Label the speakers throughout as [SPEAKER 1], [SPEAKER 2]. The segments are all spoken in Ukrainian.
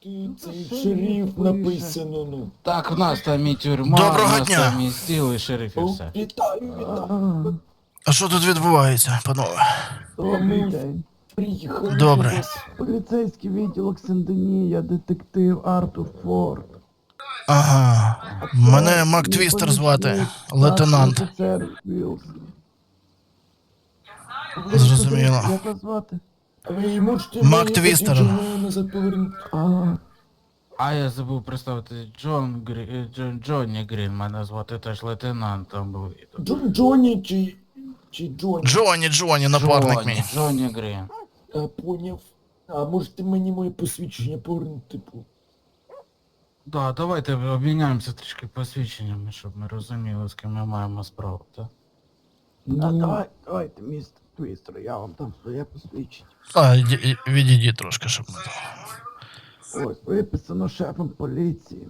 [SPEAKER 1] цей
[SPEAKER 2] шериф
[SPEAKER 1] шериф
[SPEAKER 2] пише.
[SPEAKER 1] написано, ну.
[SPEAKER 3] Так, в нас там і тюрма,
[SPEAKER 4] Доброго
[SPEAKER 3] в нас
[SPEAKER 4] дня.
[SPEAKER 3] там і стіл, і шериф, і
[SPEAKER 1] О,
[SPEAKER 3] все.
[SPEAKER 1] вітаю.
[SPEAKER 4] А що тут відбувається, панове?
[SPEAKER 2] Добрий
[SPEAKER 1] Ми
[SPEAKER 2] день.
[SPEAKER 1] приїхали
[SPEAKER 4] Добре.
[SPEAKER 1] до вас.
[SPEAKER 2] Поліцейський відділок Сен-Дені, детектив Артур Форд.
[SPEAKER 4] Ага.
[SPEAKER 2] А це
[SPEAKER 4] Мене
[SPEAKER 2] мій
[SPEAKER 4] Мактвістер звати,
[SPEAKER 2] помічник,
[SPEAKER 4] лейтенант.
[SPEAKER 2] старший офіцер Вілс.
[SPEAKER 4] Зрозуміло.
[SPEAKER 2] Як вас звати?
[SPEAKER 1] А ви можете
[SPEAKER 4] Мак
[SPEAKER 1] моє
[SPEAKER 4] Твістер.
[SPEAKER 1] посвідчення назад повернути?
[SPEAKER 2] Ага.
[SPEAKER 3] А я забув представити Джонні Грін, мене звати теж лейтенант там був.
[SPEAKER 1] Джонні чи Джонні?
[SPEAKER 4] Джонні, напарник мій.
[SPEAKER 3] Джонні Грін.
[SPEAKER 1] А, поняв. А можете мені моє посвідчення повернути, типу?
[SPEAKER 3] Да, давайте обміняємося трішки посвідченнями, щоб ми розуміли, з ким ми маємо справу, так?
[SPEAKER 2] Давайте, містер Твістер, я вам дам своє посвідчення.
[SPEAKER 4] А, відійдіть трошки, щоб ми...
[SPEAKER 2] Ось, виписано шефом поліції.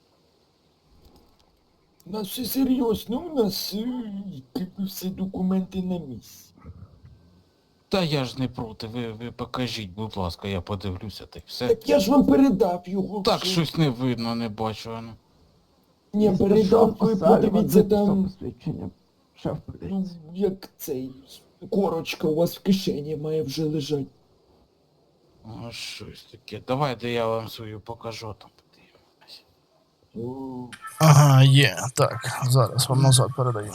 [SPEAKER 1] У нас все серйозно, у нас типу, всі документи на місці.
[SPEAKER 3] Та я ж не проти, ви покажіть, будь ласка, я подивлюся, та й все.
[SPEAKER 1] Так я ж вам передав його.
[SPEAKER 3] Так,
[SPEAKER 1] вже.
[SPEAKER 3] щось не видно, не бачу, ну.
[SPEAKER 1] Ні, передав, ви подивіться там,
[SPEAKER 2] Посвідчення. Шеф
[SPEAKER 1] ну,
[SPEAKER 2] поліції.
[SPEAKER 1] як цей, корочка у вас в кишені має вже лежати.
[SPEAKER 3] О, щось таке. Давайте я вам свою покажу, там подивимось.
[SPEAKER 1] О,
[SPEAKER 4] Ага, є. Так, зараз вам назад передаю.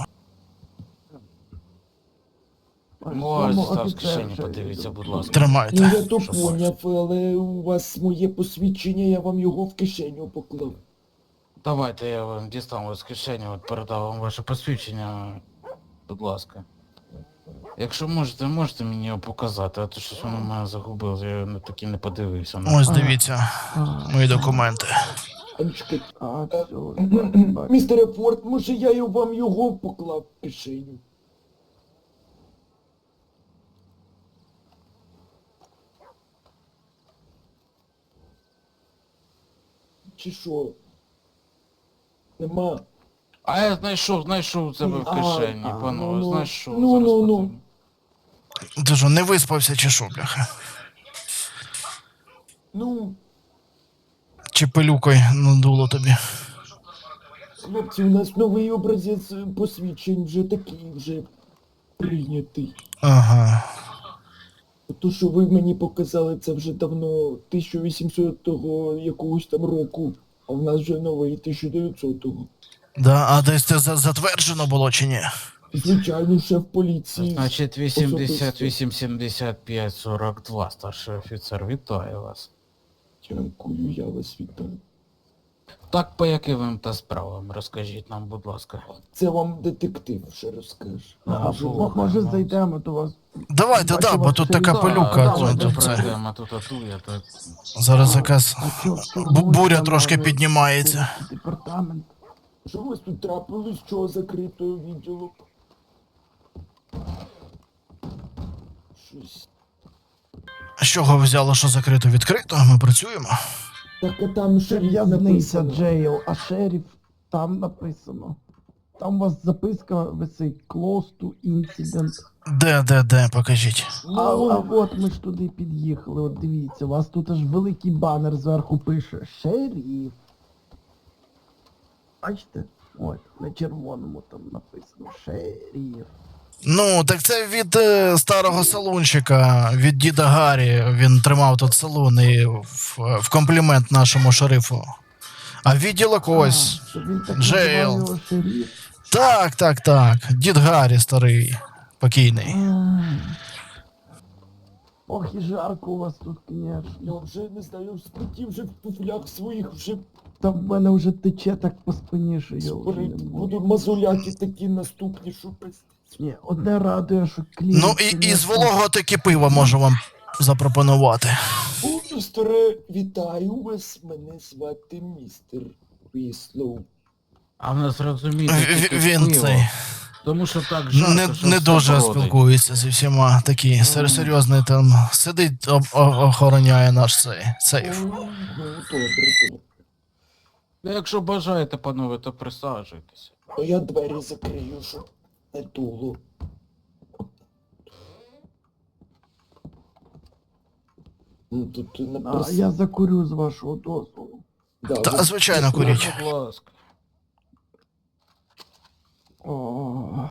[SPEAKER 3] Ось, став з кишені, подивіться, будь ласка.
[SPEAKER 1] ну
[SPEAKER 4] Тримайте.
[SPEAKER 1] я то
[SPEAKER 3] Що
[SPEAKER 1] поняв, але у вас моє посвідчення, я вам його в кишеню поклав.
[SPEAKER 3] Давайте я вам дістану з кишені, от передав вам ваше посвідчення, будь ласка. Якщо можете мені його показати, а то щось воно в мене загубилось, я його таки не подивився.
[SPEAKER 4] Ось дивіться, мої документи.
[SPEAKER 1] А, чекайте.
[SPEAKER 2] А,
[SPEAKER 1] А,
[SPEAKER 2] все,
[SPEAKER 1] Містере Форд, може я вам його поклав в кишеню? Чи що? Нема.
[SPEAKER 3] А я знайшов у тебе в кишені, панове,
[SPEAKER 1] ну,
[SPEAKER 3] знайшов.
[SPEAKER 1] ну,
[SPEAKER 3] зараз
[SPEAKER 1] ну, ну.
[SPEAKER 3] подивлюсь.
[SPEAKER 4] Ти що, не виспався чи що, бляха?
[SPEAKER 1] Ну,
[SPEAKER 4] Чи пилюкою надуло тобі?
[SPEAKER 1] хлопці, у нас новий образець посвідчень вже такий, вже прийнятий.
[SPEAKER 4] Ага.
[SPEAKER 1] То, що ви мені показали, це вже давно 1800-го якогось там року, а в нас вже новий 1900-го.
[SPEAKER 4] Да, а десь це затверджено було чи ні?
[SPEAKER 1] Звичайно, шеф поліції.
[SPEAKER 3] Значить,
[SPEAKER 1] особисто.
[SPEAKER 3] 88, 75, 42, старший офіцер, вітаю вас.
[SPEAKER 1] Дякую, я вас вітаю.
[SPEAKER 3] Так, по яким та справам, розкажіть нам, будь ласка.
[SPEAKER 1] Це вам детектив ще розкаже.
[SPEAKER 2] може зайдемо до вас.
[SPEAKER 4] Давайте, да, бо тут така пилюка.
[SPEAKER 3] Давайте
[SPEAKER 4] Тут це.
[SPEAKER 3] пройдемо тут я так.
[SPEAKER 4] Зараз якась
[SPEAKER 2] А чо,
[SPEAKER 4] буря трошки піднімається.
[SPEAKER 2] Департамент.
[SPEAKER 1] Що у вас тут трапилось, чого закритого відділу? Щось.
[SPEAKER 4] А з чого ви взяли, що закрито відкрито? Ми працюємо.
[SPEAKER 1] Так, а там шериф
[SPEAKER 2] В'язниця
[SPEAKER 1] написано.
[SPEAKER 2] Джейл, а шериф там написано. Там у вас записка висить Close to Incident.
[SPEAKER 4] Де, покажіть.
[SPEAKER 2] А от ми ж туди під'їхали, от дивіться, у вас тут аж великий банер зверху пише шериф. Бачите? Ось, на червоному там написано шериф.
[SPEAKER 4] Ну, так це від старого салунчика, від діда Гаррі. Він тримав тут салон і в комплімент нашому шерифу. А відділок ось.
[SPEAKER 2] А, що він так
[SPEAKER 4] Джейл.
[SPEAKER 2] називав його шериф.
[SPEAKER 4] Так. Дід Гаррі старий, покійний.
[SPEAKER 2] Ох і жарко у вас тут, конечно.
[SPEAKER 1] Я вже не знаю, спотів вже в туфлях своїх вже
[SPEAKER 2] Та в мене вже тече так по спині, що я вже не можу.
[SPEAKER 1] будуть мазуляки такі наступні, що пиздець.
[SPEAKER 2] Ні, одне радує, що клієнт...
[SPEAKER 4] Ну і з вологого таки пива можу вам запропонувати.
[SPEAKER 1] О, містере, вітаю вас, мене звати містер Віслоу.
[SPEAKER 3] А в нас розумієте, тільки
[SPEAKER 4] Він
[SPEAKER 3] пиво.
[SPEAKER 4] цей
[SPEAKER 3] Тому що так жарко, що
[SPEAKER 4] не
[SPEAKER 3] все
[SPEAKER 4] дуже
[SPEAKER 3] бродить.
[SPEAKER 4] спілкується зі всіма. Такий серйозний там сидить, охороняє наш цей сейф.
[SPEAKER 1] Ну, добре.
[SPEAKER 3] Ну, якщо бажаєте, панове, то присаджуйтеся.
[SPEAKER 1] А я двері закрию, щоб не дуло. Ну, тут на
[SPEAKER 2] А я закурю з вашого дозволу.
[SPEAKER 1] Да,
[SPEAKER 4] Та,
[SPEAKER 1] ви-
[SPEAKER 4] звичайно, куріть.
[SPEAKER 3] Будь ласка.
[SPEAKER 2] О.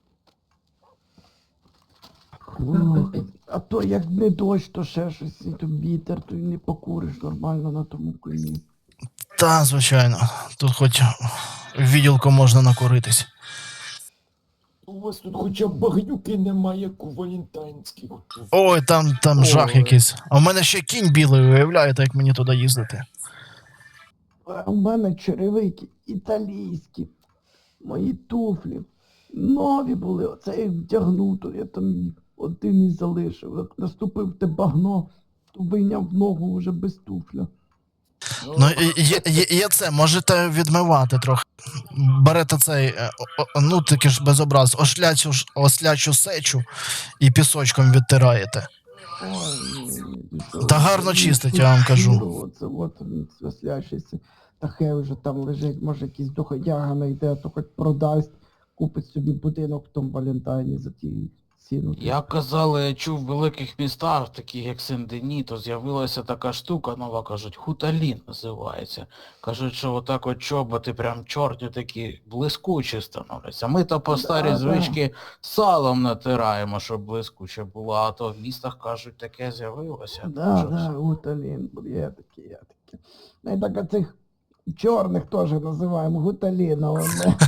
[SPEAKER 2] Ну, а то як не дощ, то ще щось, і то вітер, то й не покуриш нормально на тому коні.
[SPEAKER 4] Та, звичайно. Тут хоч в відділку можна накуритись.
[SPEAKER 1] У вас тут хоча б багнюки немає, як у валентайнських.
[SPEAKER 4] Ой, там жах
[SPEAKER 3] Ой.
[SPEAKER 4] якийсь. А в мене ще кінь білий, уявляєте, як мені туди їздити.
[SPEAKER 2] А у мене черевики італійські, мої туфлі. Нові були, оце я вдягнув, то я там один і залишив. Як наступив те багно, то вийняв ногу вже без туфля.
[SPEAKER 4] Ну, є це, можете відмивати трохи. Берете цей, ну таки ж без образ, ослячу сечу і пісочком відтираєте.
[SPEAKER 2] Ой,
[SPEAKER 4] Та гарно чистить, я вам кажу.
[SPEAKER 2] Оце от він свислящийся. Та хай вже там лежить, може якийсь доходяга знайде, то хоч продасть, купить собі будинок в тому Валентайні за ті ціну.
[SPEAKER 3] Як казали, я чув в великих містах, таких як Сен-Дені, то з'явилася така штука нова, кажуть, хуталін називається. Кажуть, що отак от чоботи прям чорні такі блискучі становляться. Ми то по старій
[SPEAKER 2] Да.
[SPEAKER 3] звички салом натираємо, щоб блискуче було, а то в містах кажуть, таке з'явилося.
[SPEAKER 2] Да,
[SPEAKER 3] Що
[SPEAKER 2] да,
[SPEAKER 3] це?
[SPEAKER 2] гуталін, є такі, є такі. Ну і так цих чорних теж називаємо гуталіном.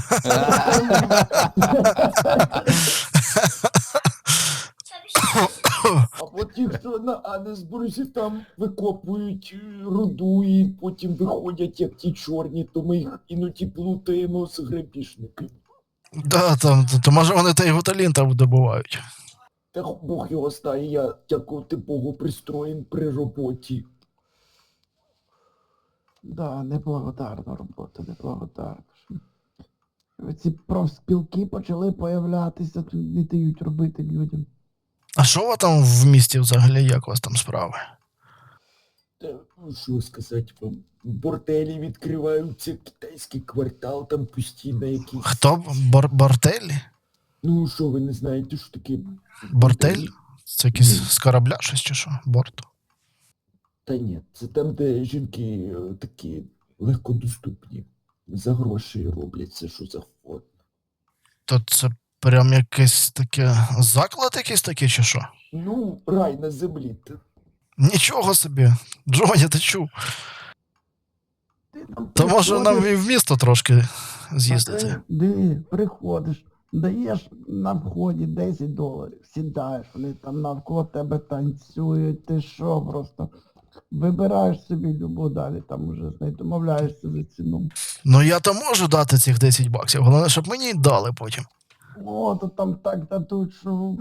[SPEAKER 1] А от ті, хто на Анесбурзі там викопують руду і потім виходять як ті чорні, то ми їх іноді плутаємо з грабіжниками.
[SPEAKER 4] Да, то може вони той гуталін там добувають.
[SPEAKER 1] Та Бог його знає, я, дякувати Богу, пристроєн при роботі.
[SPEAKER 2] Да, неблагодарна робота, неблагодарна. Ці профспілки почали появлятися, тут не дають робити людям.
[SPEAKER 4] А що у вас там в місті взагалі, як у вас там справи?
[SPEAKER 1] Та, ну, що сказати вам, борделі відкриваються, китайський квартал, там постійно якісь...
[SPEAKER 4] Хто? Бортель?
[SPEAKER 1] Ну, що ви не знаєте, що таке...
[SPEAKER 4] Бортель? Це якийсь з корабля щось чи що? Борт?
[SPEAKER 1] Та ні, це там, де жінки такі легкодоступні. За гроші роблять все, що завгодно.
[SPEAKER 4] То це прям якесь таке заклад якийсь такий чи що?
[SPEAKER 1] Ну, рай на землі.
[SPEAKER 4] Нічого собі. Джоні, ти чув?
[SPEAKER 2] Ти там
[SPEAKER 4] То може нам
[SPEAKER 2] приходиш,
[SPEAKER 4] і в місто трошки з'їздити.
[SPEAKER 2] приходиш, даєш на вході $10, сідаєш, вони там навколо тебе танцюють, ти що просто. Вибираєш собі любу далі, там уже домовляєшся за ціну.
[SPEAKER 4] Ну я то можу дати цих $10, головне, щоб мені дали потім.
[SPEAKER 2] О, то там так дадуть, що...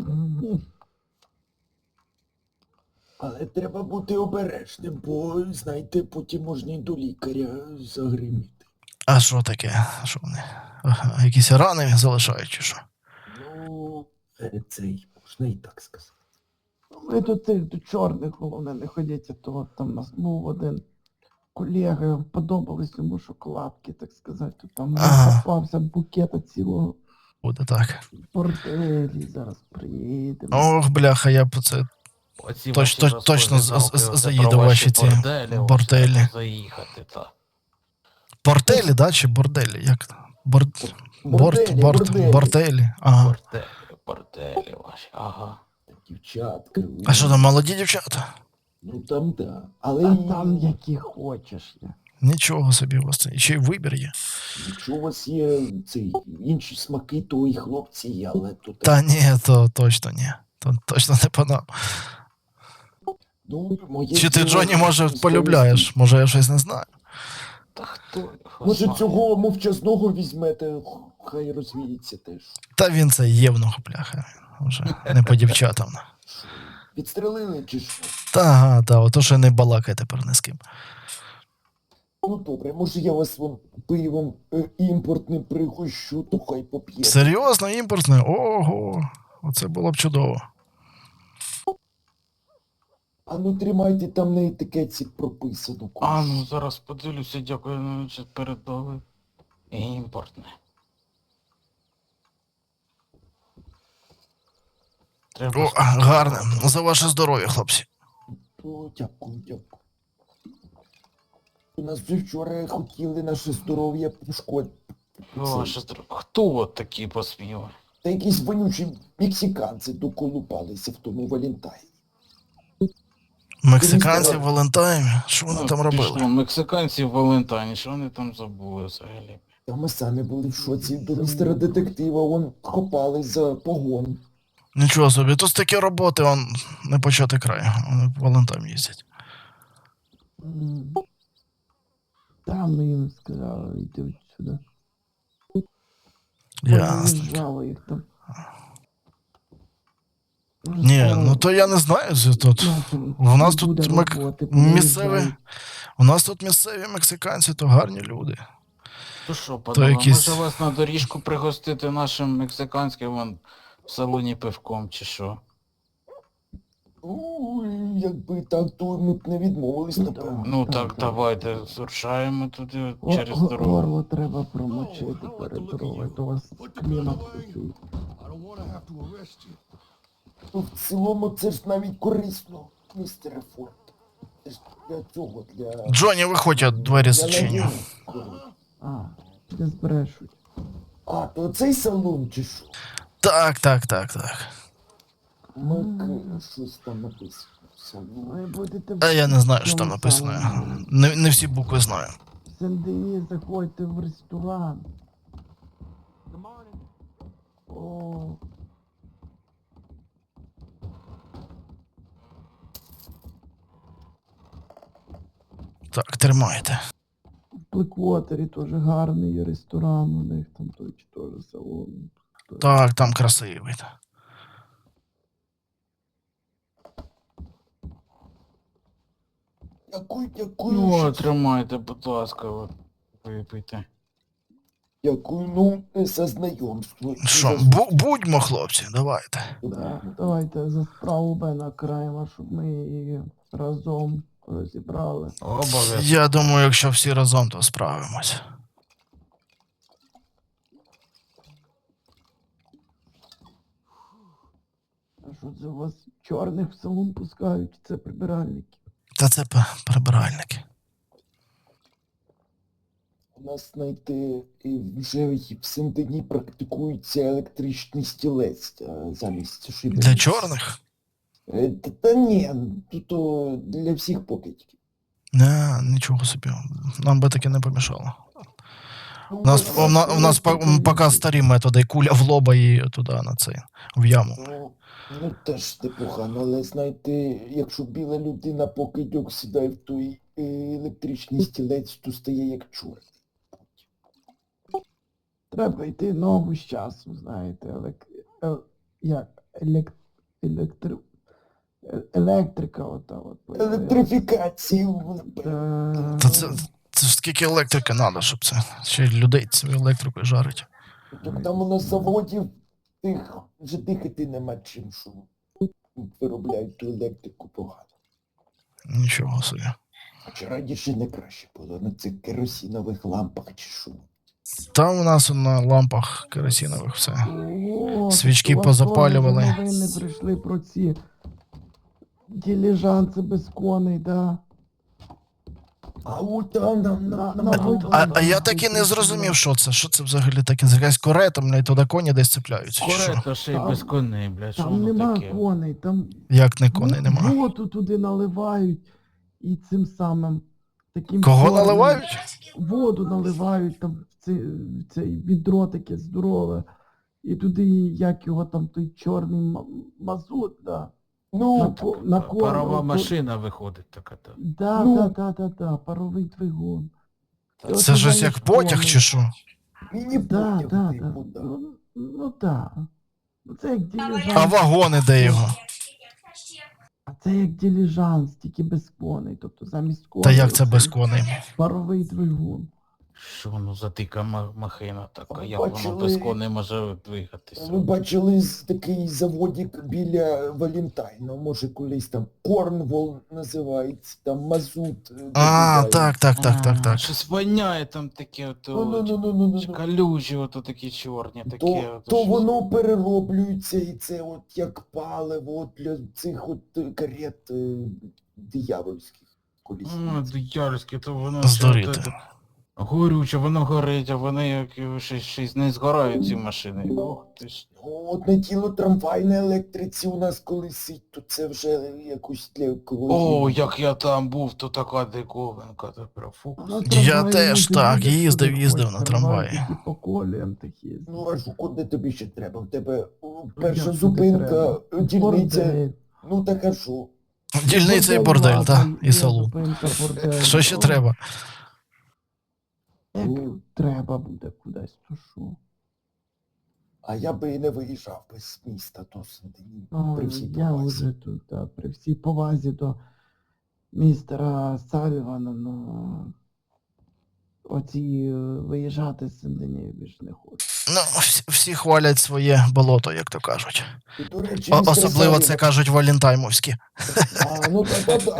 [SPEAKER 1] Але треба бути обережним, бо, знаєте, потім можна і до лікаря загриміти.
[SPEAKER 4] А що таке? Що вони? Ага, якісь рани залишають чи що?
[SPEAKER 1] Ну, цей, можна і так сказати.
[SPEAKER 2] Ви тут цих до чорних, головне, не ходіть, а то от там у нас був один колега, подобались йому шоколадки, так сказати, то там
[SPEAKER 4] Ага.
[SPEAKER 2] попався букета цілого
[SPEAKER 4] Буде так.
[SPEAKER 2] борделі, зараз приїдемо.
[SPEAKER 4] Ох, бляха, я б це.
[SPEAKER 3] Оці
[SPEAKER 4] Точно-
[SPEAKER 3] ваші
[SPEAKER 4] точно
[SPEAKER 3] розповідалки, оце
[SPEAKER 4] заїду
[SPEAKER 3] про
[SPEAKER 4] ваші ці
[SPEAKER 3] борделі.
[SPEAKER 4] борделі.
[SPEAKER 3] треба заїхати, та.
[SPEAKER 4] Бортелі, да? Чи борделі? Як? Борт,
[SPEAKER 1] Борделі, борделі.
[SPEAKER 4] бортелі. Ага.
[SPEAKER 3] Борделі ваші, ага.
[SPEAKER 1] Дівчатка.
[SPEAKER 4] А що там, молоді дівчата?
[SPEAKER 1] Ну там да. Але
[SPEAKER 2] А
[SPEAKER 1] і
[SPEAKER 2] там які хочеш є.
[SPEAKER 4] Нічого собі у вас це. І ще й вибір є.
[SPEAKER 1] якщо у вас є ці інші смаки, то і хлопці є, але тут...
[SPEAKER 4] Та ні, то точно ні. То точно не по нам.
[SPEAKER 1] Ну, моє
[SPEAKER 4] Чи ти
[SPEAKER 1] діло
[SPEAKER 4] Джоні, може,
[SPEAKER 1] з
[SPEAKER 4] полюбляєш? Може, я щось не знаю.
[SPEAKER 3] Та хто його
[SPEAKER 1] Може
[SPEAKER 3] знає?
[SPEAKER 1] цього мовчазного візьмете, хай розвіється теж.
[SPEAKER 4] Та він це євнух, бляха. Вже не по дівчатам.
[SPEAKER 1] Підстрелили чи що?
[SPEAKER 4] Та, ага, та, ото ще не балакай тепер ні з ким.
[SPEAKER 1] Ну добре, може я вас вон пивом імпортним пригощу, то хай поп'є.
[SPEAKER 4] Серйозно, імпортне? Ого, оце було б чудово.
[SPEAKER 1] А ну тримайте, там на етикетці прописано.
[SPEAKER 3] А, ну зараз подивлюся, дякую, ну, що передали. Імпортне. Треба
[SPEAKER 4] О,
[SPEAKER 3] спробувати.
[SPEAKER 4] гарне. За ваше здоров'я, хлопці.
[SPEAKER 1] О, дякую, дякую. У нас вже вчора хотіли наше здоров'я пошкодити.
[SPEAKER 3] Ваше хто от такі посміли?
[SPEAKER 1] Та якісь вонючі мексиканці доколупалися в тому Валентайні.
[SPEAKER 4] Мексиканці в Валентаймі? Що вони там робили?
[SPEAKER 3] Пішло, мексиканці в Валентайні, що вони там забули взагалі?
[SPEAKER 1] Та ми самі були в шоці до містера детектива, вон хопали за погон.
[SPEAKER 4] Нічого собі, тут такі роботи, он не почати край. Вони в Валентайм їздять.
[SPEAKER 2] Там ми їм сказали, йти от сюди.
[SPEAKER 4] Ясно.
[SPEAKER 2] Жало їх там.
[SPEAKER 4] Ні, ну то я не знаю, що тут. В нас тут місцеві. У нас тут місцеві мексиканці, то гарні люди.
[SPEAKER 3] То що, панове,
[SPEAKER 4] якісь-
[SPEAKER 3] може вас на доріжку пригостити нашим мексиканським вон в салоні пивком чи що?
[SPEAKER 1] Якби так, то ми б не відмовились, напевно.
[SPEAKER 3] Ну
[SPEAKER 2] Так,
[SPEAKER 3] так,
[SPEAKER 2] так.
[SPEAKER 3] давайте зрушаємо туди через дорогу.
[SPEAKER 2] Горло треба промочити перед дорогою, то у вас клімат такий.
[SPEAKER 1] Ну, в цілому це ж навіть корисно, містере Форд. Це ж для цього, для...
[SPEAKER 4] Джонні, виходь, я двері
[SPEAKER 1] для
[SPEAKER 4] зачиню.
[SPEAKER 1] надійності, коротше.
[SPEAKER 2] А, де збрешуть.
[SPEAKER 1] А, то цей салон чи що?
[SPEAKER 4] Так.
[SPEAKER 1] Щось там написано. Салон.
[SPEAKER 2] Ви будете
[SPEAKER 4] А я не знаю, що
[SPEAKER 2] в
[SPEAKER 4] там
[SPEAKER 2] цьому
[SPEAKER 4] написано.
[SPEAKER 2] самому.
[SPEAKER 4] Не всі букви знаю.
[SPEAKER 2] В Сен-Дені заходьте в ресторан. О,
[SPEAKER 4] Так, тримайте.
[SPEAKER 2] в Блеквотері теж гарний є ресторан, у них там той чи теж салон.
[SPEAKER 4] Так, там красивий.
[SPEAKER 1] Дякую,
[SPEAKER 3] Ну,
[SPEAKER 1] що-
[SPEAKER 3] тримайте, будь ласка, от, випийте.
[SPEAKER 1] Дякую, ну, за знайомство.
[SPEAKER 4] Що, будьмо, хлопці, давайте.
[SPEAKER 2] Да, давайте за справу Бена краємо, щоб ми її разом розібрали.
[SPEAKER 3] Обов'язково.
[SPEAKER 4] Я думаю, якщо всі разом, то справимось.
[SPEAKER 2] А що це у вас чорних в салон пускають? Це прибиральники.
[SPEAKER 4] Та це прибиральники.
[SPEAKER 1] У нас, знаєте, вже в Сен-Дені практикується електричний стілець замість шибениць.
[SPEAKER 4] Для чорних?
[SPEAKER 1] Та ні, то для всіх покидьків.
[SPEAKER 4] Не, нічого собі. Нам би таке не помішало.
[SPEAKER 1] Ну,
[SPEAKER 4] У нас поки старі методи, куля в лоба і туди на цей, в яму.
[SPEAKER 1] Ну, теж непогано, але знаєте, якщо біла людина покидьок сідає в той електричний стілець, то стає як чорт.
[SPEAKER 2] Треба йти ногу з часом, знаєте, електрика ота от.
[SPEAKER 1] Електрифікацію.
[SPEAKER 4] Та це ж скільки електрики треба, щоб це. Ще й людей цю електрикою жарить.
[SPEAKER 1] Так там у нас заводів тих вже дихати нема чим, що виробляють ту електрику погано.
[SPEAKER 4] Нічого собі.
[SPEAKER 1] Хоча раніше не краще було на цих керосинових лампах чи що.
[SPEAKER 4] Там у нас на лампах керосинових все.
[SPEAKER 2] О,
[SPEAKER 4] Свічки
[SPEAKER 2] тут у вас
[SPEAKER 4] позапалювали.
[SPEAKER 2] теж новини прийшли про ці диліжанси без коней, да.
[SPEAKER 1] А от там
[SPEAKER 4] А я так і не зрозумів, що це. Що це взагалі таке? Це якась корета, блядь, туди коні десь цепляються. Чи що?
[SPEAKER 3] Корето ще й
[SPEAKER 2] Там-
[SPEAKER 3] без коней, блядь, що
[SPEAKER 2] Там
[SPEAKER 3] воно
[SPEAKER 2] нема
[SPEAKER 3] таке?
[SPEAKER 2] коней, там
[SPEAKER 4] Як не коней нема?
[SPEAKER 2] воду туди наливають і цим самим таким
[SPEAKER 4] Кого
[SPEAKER 2] чорним-
[SPEAKER 4] наливають?
[SPEAKER 2] Воду наливають, там в цей відро таке здорове. І туди, як його там, той чорний мазут, да.
[SPEAKER 1] Ну,
[SPEAKER 2] на
[SPEAKER 3] Парова
[SPEAKER 2] корм.
[SPEAKER 3] машина виходить така. та.
[SPEAKER 2] Да,
[SPEAKER 1] Ну.
[SPEAKER 2] да, паровий двигун. І
[SPEAKER 4] Це
[SPEAKER 2] оце
[SPEAKER 4] щось
[SPEAKER 2] замість
[SPEAKER 4] як потяг
[SPEAKER 2] коней.
[SPEAKER 4] чи що?
[SPEAKER 1] мені
[SPEAKER 2] Да,
[SPEAKER 1] потяг,
[SPEAKER 2] да.
[SPEAKER 1] типу, да.
[SPEAKER 2] Ну да. Ну, це як диліжанс.
[SPEAKER 4] А вагони де його?
[SPEAKER 2] А це як диліжанс, тільки без коней. Тобто замість коней.
[SPEAKER 4] Та як це
[SPEAKER 2] оце
[SPEAKER 4] без коней?
[SPEAKER 2] паровий двигун.
[SPEAKER 3] Що воно за дика махина така,
[SPEAKER 1] Ви
[SPEAKER 3] як воно
[SPEAKER 1] бачили-
[SPEAKER 3] без коней може двигатися?
[SPEAKER 1] Ви бачили такий заводик біля Валентайна, може колись там Корнвол називається, там мазут.
[SPEAKER 4] А,
[SPEAKER 1] добувають.
[SPEAKER 4] так.
[SPEAKER 3] Щось воняє там таке,
[SPEAKER 1] Ну.
[SPEAKER 3] калюжі, ото такі чорні, таке.
[SPEAKER 1] То
[SPEAKER 3] щось.
[SPEAKER 1] воно перероблюється і це от як паливо от для цих от карет диявольських колись.
[SPEAKER 3] Диявольське, то воно
[SPEAKER 4] Здуріти.
[SPEAKER 3] ще горюче, воно горить, а вони як щось не згорають ці машини. Ох ти ж.
[SPEAKER 1] Одне тіло трамвай на електриці у нас колись, то це вже якось для екології.
[SPEAKER 3] О, як я там був, то така диковинка, то прям фокус.
[SPEAKER 2] На
[SPEAKER 4] Я
[SPEAKER 2] трамваї
[SPEAKER 4] теж
[SPEAKER 2] може
[SPEAKER 4] так,
[SPEAKER 2] люди
[SPEAKER 4] їздив
[SPEAKER 2] сюди
[SPEAKER 4] на
[SPEAKER 2] ходять,
[SPEAKER 4] трамваї.
[SPEAKER 2] Такі по коліям такі.
[SPEAKER 1] Ну а що, куди тобі ще треба? В тебе перша
[SPEAKER 2] як
[SPEAKER 1] зупинка,
[SPEAKER 2] туди
[SPEAKER 1] дільниця.
[SPEAKER 2] Бордель.
[SPEAKER 1] Ну так а що?
[SPEAKER 4] Дільниця і бордель, та?
[SPEAKER 2] ладно,
[SPEAKER 4] І
[SPEAKER 2] є
[SPEAKER 4] село.
[SPEAKER 2] зупинка, бордель.
[SPEAKER 4] Що ще
[SPEAKER 2] О,
[SPEAKER 4] треба?
[SPEAKER 2] Як треба буде кудись, то що?
[SPEAKER 1] А я би і не виїжджав без міста, то при всій
[SPEAKER 2] Я
[SPEAKER 1] повазі.
[SPEAKER 2] вже тут, да, при всій повазі до містера Салівана, ну оці виїжджати з Сен-Дені більше не хочу.
[SPEAKER 4] Ну, всі хвалять своє болото, як то кажуть.
[SPEAKER 1] І, до речі,
[SPEAKER 4] Особливо
[SPEAKER 1] містер
[SPEAKER 4] це кажуть валентаймовські.
[SPEAKER 1] А, ну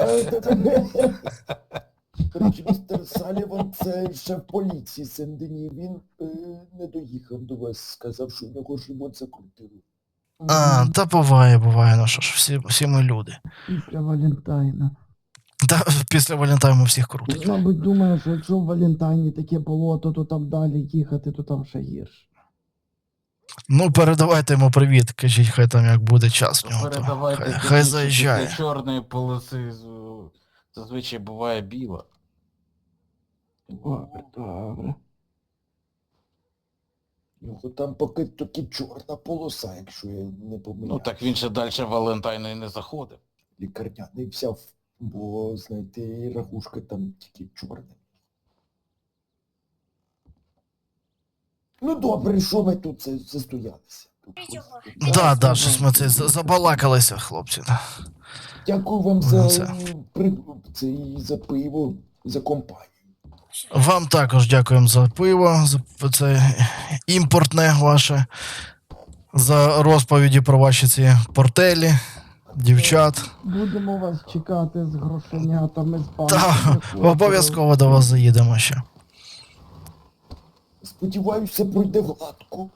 [SPEAKER 1] До речі, містер Саліван, це шеф поліції Сен-Дені, він не доїхав до вас, сказав, що у нього ж ремонт закрутили.
[SPEAKER 4] А, та буває, ну що ж, всі ми люди.
[SPEAKER 2] Після Валентайна.
[SPEAKER 4] Та після Валентайму всіх крутить.
[SPEAKER 2] Мабуть, думаю, що якщо в Валентайні таке болото, то там далі їхати, то там ще гірше.
[SPEAKER 4] Ну, передавайте йому привіт, кажіть, хай там як буде час в нього. То
[SPEAKER 3] Передавайте,
[SPEAKER 4] хай
[SPEAKER 3] кажіть, що
[SPEAKER 4] заїжджає.
[SPEAKER 3] після чорної полоси зазвичай буває біла.
[SPEAKER 2] Добре.
[SPEAKER 1] Його там поки тільки чорна полоса, якщо я не помиляю.
[SPEAKER 3] Ну так він ще далі Валентайну і не заходив.
[SPEAKER 1] Лікарняний взяв, бо, знаєте, і рахушка там тільки чорна. Ну добре, що ми тут застоялися?
[SPEAKER 4] Да, щось ми це забалакалися, хлопці.
[SPEAKER 1] Дякую вам за,
[SPEAKER 4] Це.
[SPEAKER 1] за пиво, за компанію.
[SPEAKER 4] Вам також дякуємо за пиво, за це імпортне ваше, за розповіді про ваші ці портелі, дівчат.
[SPEAKER 2] Будемо вас чекати з грошенятами, з
[SPEAKER 4] Та,
[SPEAKER 2] банками.
[SPEAKER 4] обов'язково до вас заїдемо ще.
[SPEAKER 1] Сподіваюся, все пройде гладко.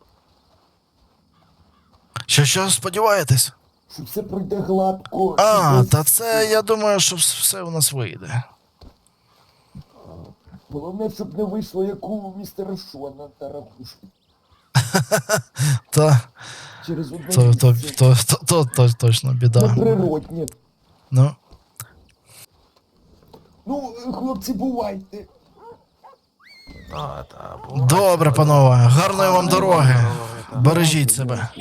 [SPEAKER 4] Що, сподіваєтесь?
[SPEAKER 1] Що все пройде гладко.
[SPEAKER 4] А,
[SPEAKER 1] і без-
[SPEAKER 4] та це, я думаю, що все у нас вийде.
[SPEAKER 1] Головне, щоб не вийшло, як у містера Шона та рахушки.
[SPEAKER 4] Та,
[SPEAKER 1] Через одне
[SPEAKER 4] то
[SPEAKER 1] місце.
[SPEAKER 4] точно біда.
[SPEAKER 1] Неприроднє.
[SPEAKER 4] Ну,
[SPEAKER 1] Ну, хлопці, бувайте.
[SPEAKER 3] Так,
[SPEAKER 4] добре, панове, гарної вам дороги. Бережіть себе.